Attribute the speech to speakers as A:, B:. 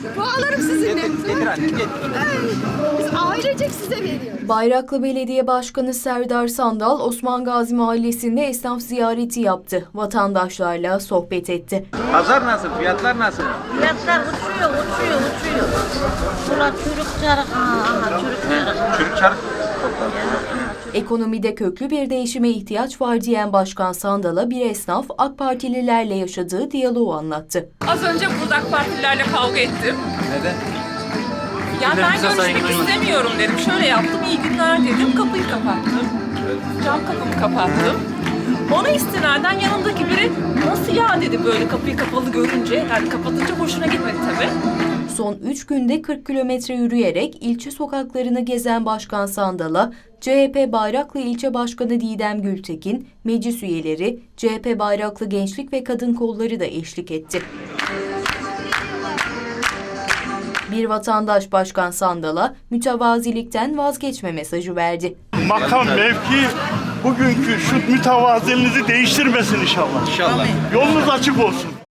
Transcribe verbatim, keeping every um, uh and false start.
A: Bağlarım sizinle.
B: Getir, getir anne, getir.
A: Biz ailecek size veriyoruz.
C: Bayraklı Belediye Başkanı Serdar Sandal, Osman Gazi Mahallesi'nde esnaf ziyareti yaptı. Vatandaşlarla sohbet etti.
B: Pazar nasıl? Fiyatlar nasıl?
D: Fiyatlar uçuyor, uçuyor, uçuyor. Şurada çürük çarık, aha çürük çarık.
B: Çürük çarık.
C: Ekonomide köklü bir değişime ihtiyaç var diyen Başkan Sandal'a bir esnaf AK Partililerle yaşadığı diyaloğu anlattı.
E: Az önce burada AK Partililerle kavga ettim.
B: Neden?
E: Ya ben görüşmek istemiyorum dedim. Şöyle yaptım, iyi günler dedim, kapıyı kapattım. Cam kapımı kapattım. Ona istinaden yanımdaki biri nasıl ya dedi böyle kapıyı kapalı görünce. Yani kapatınca hoşuna gitmedi tabii.
C: Son üç günde kırk kilometre yürüyerek ilçe sokaklarını gezen Başkan Sandal'a C H P Bayraklı İlçe Başkanı Didem Gültekin, meclis üyeleri, C H P Bayraklı Gençlik ve Kadın Kolları da eşlik etti. Bir vatandaş Başkan Sandal'a mütevazilikten vazgeçme mesajı verdi.
F: Makam, mevki bugünkü şu mütevaziliğinizi değiştirmesin inşallah.
B: İnşallah.
F: Yolunuz açık olsun.